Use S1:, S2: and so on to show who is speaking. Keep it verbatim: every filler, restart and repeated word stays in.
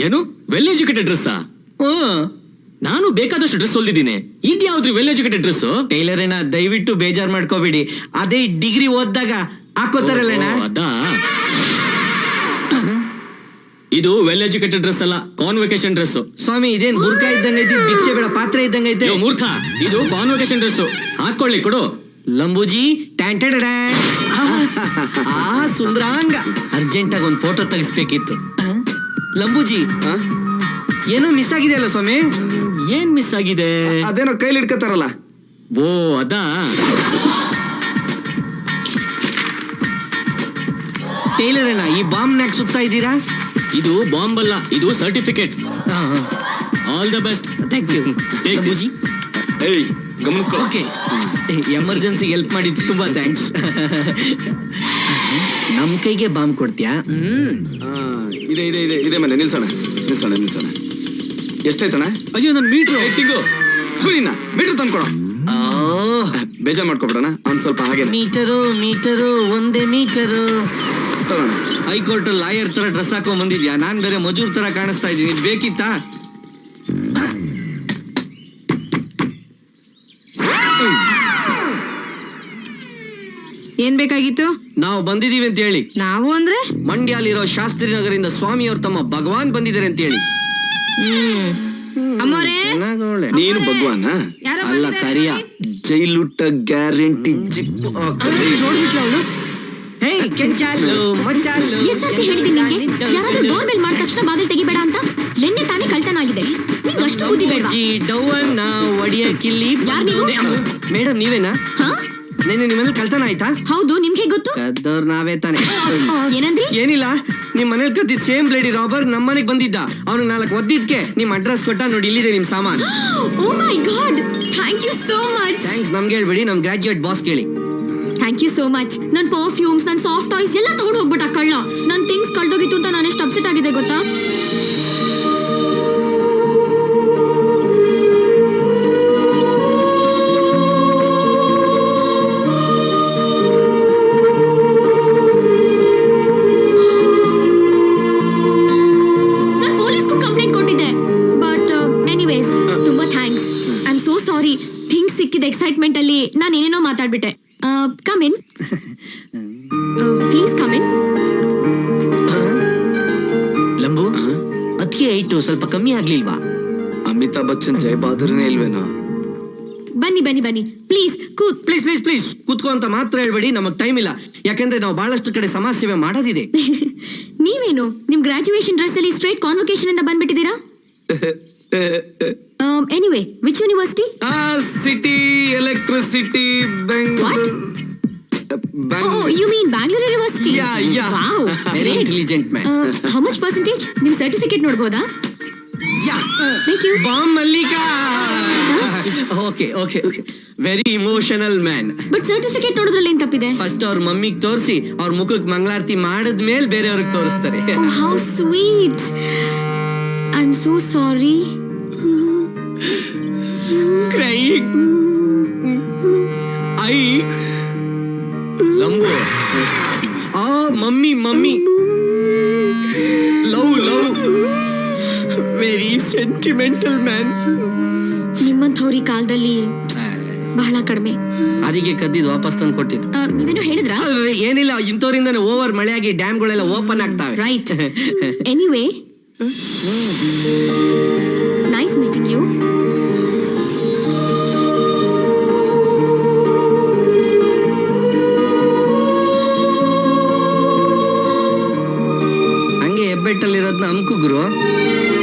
S1: ಏನು well educated ಡ್ರೆಸ್ಸಾ? ನಾನು ಬೇಕಾದಷ್ಟು ಡ್ರೆಸ್ ಹೊಲ್ದಿದ್ದೀನಿ. ಇದ್ಯಾವ್ದು ವೆಲ್ ಎಜುಕೇಟೆಡ್ ಡ್ರೆಸ್?
S2: ಟೈಲರ್ ಏನ ದಯವಿಟ್ಟು ಬೇಜಾರ್ ಮಾಡ್ಕೋಬೇಡಿ, ಅದೇ ಡಿಗ್ರಿ ಓದ್ದಾಗ ಹಾಕೋತಾರಲ್ಲ.
S1: ಅದಾ, ಇದು ವೆಲ್ ಎಜುಕೇಟೆಡ್ ಡ್ರೆಸ್ ಅಲ್ಲ, ಕಾನ್ವೊಕೇಶನ್ ಡ್ರೆಸ್.
S2: ಸ್ವಾಮಿ ಇದೇನ್ ಬುರ್ಕಾ ಇದ್ದಂಗೈತಿ, ಭಿಕ್ಷೆ ಬೇಡ ಪಾತ್ರೆ ಇದ್ದಂಗೈತೆ.
S1: ಮೂರ್ಖ, ಇದು ಕಾನ್ವೊಕೇಶನ್ ಡ್ರೆಸ್. ಹಾಕೊಳ್ಳಿ, ಕೊಡು.
S2: ಲಂಬೂಜಿ ಟ್ಯಾಂಟೆಡ್ ಆ ಸುಂದ್ರಾಂಗ, ಅರ್ಜೆಂಟ್ ಆಗಿ ಒಂದ್ ಫೋಟೋ ತೆಗಿಸ್ಬೇಕಿತ್ತು. ಲಂಬೂಜಿ ಏನೋ ಮಿಸ್ ಆಗಿದೆ ಅಲ್ಲ ಸ್ವಾಮಿ?
S1: ಏನ್ ಮಿಸ್ ಆಗಿದೆ?
S3: ಅದೇನೋ ಕೈಲಿ ಇಟ್ಕೋತಾರಲ್ಲ.
S1: ಓ ಅದಾ.
S2: ಟೈಲರ್ ಏನ ಈ ಬಾಂಬ್ ನಾಕ್ ಸುತ್ತಾ ಇದ್ದೀರಾ?
S1: ಇದು ಬಾಂಬ್ ಅಲ್ಲ, ಇದು certificate. All the best.
S2: Thank you Lambuji.
S3: ಏಯ್ ಗಮನಿಸ್ಕೊ.
S2: ಓಕೆ, ಎಮರ್ಜೆನ್ಸಿ ಹೆಲ್ಪ್ ಮಾಡಿದ್ದು ತುಂಬಾ ಥ್ಯಾಂಕ್ಸ್. ನಮ್ ಕೈಗೆ ಬಾಂಬ್ ಕೊಡ್ತೀಯಾ? ಹ್ಮ್
S3: ಇದೆ ಇದೆ ಇದೆ ಇದೆ ಮನೆ. ನಿಲ್ಸೋಣ ನಿಲ್ಸೋಣ ನಿಲ್ಸೋಣ. ಎಷ್ಟಾಯ್ತಣ್ಣ?
S1: ಅಯ್ಯೋ ನನ್ ಮೀಟ್ರು
S3: ಟಿಂಗು ಮೀಟರ್ ತಂದ್ಕೊಡ. ಬೇಜಾರ್ ಮಾಡ್ಕೊಬಿಡೋಣ ಅವ್ನ್ ಸ್ವಲ್ಪ ಹಾಗೆ.
S2: ಮೀಟರು ಮೀಟರು ಒಂದೇ ಮೀಟರು. ಹೈಕೋರ್ಟ್ ಲಾಯರ್ ತರ ಡ್ರೆಸ್ ಹಾಕೊಂಡ್ ಬಂದಿದ್ಯಾ? ನಾನ್ ಬೇರೆ ಮಜೂರ್ ತರ ಕಾಣಿಸ್ತಾ ಇದ್ದೀನಿ, ಇದು ಬೇಕಿತ್ತಾ?
S4: ಏನ್ ಬೇಕಾಗಿತ್ತು?
S2: ನಾವು ಬಂದಿದೀವಿ ಅಂತ ಹೇಳಿ.
S4: ನಾವು ಅಂದ್ರೆ
S2: ಮಂಡ್ಯಲಿರೋ ಶಾಸ್ತ್ರಿ ನಗರಿಂದ ಸ್ವಾಮಿ ಅವ್ರ ತಮ್ಮ ಭಗವಾನ್ ಬಂದಿದ್ದಾರೆ ಅಂತ ಹೇಳಿ.
S4: ಅಮ್ಮೋರೆ,
S3: ನೀನು ಭಗವಾನ
S2: ಅಲ್ಲ ಕರಿಯ.
S3: ಜೈಲುಟ್ಟ ಗ್ಯಾರಂಟಿ ಜಿಪ್ಪು.
S5: ಎಷ್ಟಂತ ಹೇಳಿದೀನಿ ನಿಂಗೆ? ಯಾರಾದ್ರೂ ಡೋರ್ ಬೆಲ್ ಮಾಡಿದ ತಕ್ಷಣ ಬಾಗಿಲು ತೆಗಿಬೇಡ ಅಂತ. ನಿನ್ನೆ ತಾನೇ ಕಳ್ತನ ಆಗಿದೆ, ನಿಂಗೆ ಅಷ್ಟು ಬುದ್ಧಿ ಬೇಡವಾ?
S2: ಮೇಡಮ್ ನೀವೇನಾ?
S5: ಹಾ,
S2: ನೆನ್ನೆ ನಿಮ್ಮನೇಲಿ ಕಳ್ತನ ಆಯ್ತಾ?
S5: ಹೌದು. ನಿಮ್ಗೆ ಗೊತ್ತು?
S2: ಕದ್ದವ್ರು ನಾವೇ ತಾನೆ.
S5: ಏನಂದ್ರಿ?
S2: ಏನಿಲ್ಲ, ನಿಮ್ ಮನೇಲಿ ಕದ್ದಿದ್ ಸೇಮ್ ಬ್ಲೇಡಿ ರಾಬರ್ ನಮ್ ಮನೆಗ್ ಬಂದಿದ್ದ. ಅವ್ನು ನಾಲ್ಕು ಒದ್ದಿದ್ಕೆ ನಿಮ್ ಅಡ್ರೆಸ್ ಕೊಟ್ಟ, ನೋಡಿ ಇಲ್ಲಿದೆ ನಿಮ್ ಸಾಮಾನ್.
S5: Oh my god, thank you so much.
S2: Thanks ನಮ್ಗೆ ಹೇಳ್ಬೇಡಿ, ನಮ್ ಗ್ರಾಜುಯೇಟ್ ಬಾಸ್ ಕೇಳಿ.
S5: Thank you so much. ನನ್ ಪರ್ಫ್ಯೂಮ್ಸ್, ನನ್ ಸಾಫ್ಟ್ ಟಾಯ್ಸ್ ಎಲ್ಲ ತಗೊಂಡು ಹೋಗ್ಬಿಟ್ಟ ಕಳ್ಳ. ನನ್ ಥಿಂಗ್ಸ್ ಕಳ್ದೋಗಿತ್ತು ಅಂತ ನಾನು ಎಷ್ಟು ಅಪ್ಸೆಟ್ ಆಗಿದೆ ಗೊತ್ತಾ? ನಾನು ಪೊಲೀಸ್ಗೂ ಕಂಪ್ಲೇಂಟ್ ಕೊಟ್ಟಿದ್ದೆ. ಬಟ್ ಎನಿವೇಸ್, ತುಂಬಾ thanks. I am so sorry. Things ಸಿಕ್ಕಿದ ಎಕ್ಸೈಟ್ಮೆಂಟ್ ಅಲ್ಲಿ ನಾನು ಏನೇನೋ ಮಾತಾಡ್ಬಿಟ್ಟೆ. Come in please, come in.
S2: Lambu, ಅದಕ್ಕೆ ಐಟು ಸ್ವಲ್ಪ ಕಮ್ಮಿ ಆಗ್ಲಿಲ್ವಾ?
S3: ಅಮಿತಾಬ್ ಬಚ್ಚನ್ ಜೈ ಬಹದ್ದೂರ್ನೇ ಇಲ್ವೇನೋ?
S5: ಬನ್ನಿ ಬನ್ನಿ ಬನ್ನಿ, ಪ್ಲೀಸ್ ಕೂತ್.
S2: ಪ್ಲೀಸ್ ಪ್ಲೀಸ್ ಪ್ಲೀಸ್ ಕೂತ್ಕೋ ಅಂತ ಮಾತ್ರ ಹೇಳ್ಬೇಡಿ, ನಮಗ್ ಟೈಮ್ ಇಲ್ಲ. ಯಾಕಂದ್ರೆ ನಾವು ಬಹಳಷ್ಟು ಕಡೆ ಸಮಾಜ ಸೇವೆ ಮಾಡೋದಿದೆ.
S5: ನೀವೇನು ನಿಮ್ ಗ್ರಾಜುಯೇಷನ್ ಡ್ರೆಸ್ ಅಲ್ಲಿ ಸ್ಟ್ರೈಟ್ ಕಾನ್ವೊಕೇಶನ್ ಇಂದ ಬಂದ್ಬಿಟ್ಟಿದ್ದೀರಾ? Anyway, which university?
S3: City electricity
S5: what? Oh, you mean Bangalore University?
S2: Yeah, yeah.
S5: Wow,
S2: Very
S5: great.
S2: intelligent man.
S5: Uh, how much percentage? ನಿಮ್ ಸರ್ಟಿಫಿಕೇಟ್ ನೋಡಬಹುದಾ?
S2: Yeah.
S5: Thank you.
S2: Bomb Mallika. Okay okay okay, very emotional man.
S5: But certificate ನೋಡಿದ್ರಲ್ಲಿ ಏನ್ ತಪ್ಪಿದೆ?
S2: First ಅವ್ರ ಮಮ್ಮಿಗ್ ತೋರಿಸಿ ಅವ್ರ ಮುಖಕ್ಕೆ ಮಂಗಳಾರತಿ ಮಾಡಿದ್ಮೇಲೆ ಬೇರೆಯವ್ರಿಗೆ ತೋರಿಸ್ತಾರೆ.
S5: Oh, how sweet. I'm so sorry.
S2: Crying. I Lambu. ಆ mummy mummy love love, very sentimental man.
S5: ನಿಮ್ಮಂಥವ್ರಿ ಕಾಲದಲ್ಲಿ ಬಹಳ ಕಡಿಮೆ.
S2: ಅದಕ್ಕೆ ಕದ್ದಿದ್ ವಾಪಸ್ ತಂದು ಕೊಟ್ಟಿದ್ದು.
S5: Uh, ನೀವೇನೋ ಹೇಳಿದ್ರಾ?
S2: ಏನಿಲ್ಲ, ಇಂಥವ್ರಿಂದಾನೆ ಓವರ್ ಮಳೆಯಾಗಿ ಡ್ಯಾಮ್ಗಳೆಲ್ಲ ಓಪನ್ ಆಗ್ತಾವೆ.
S5: Right. Anyway, nice meeting you.
S2: ಹಂಗೆ ಹೆಬ್ಬೆಟ್ಟಲ್ಲಿರೋದ್ನ ಅಮ್ಕು ಗುರು.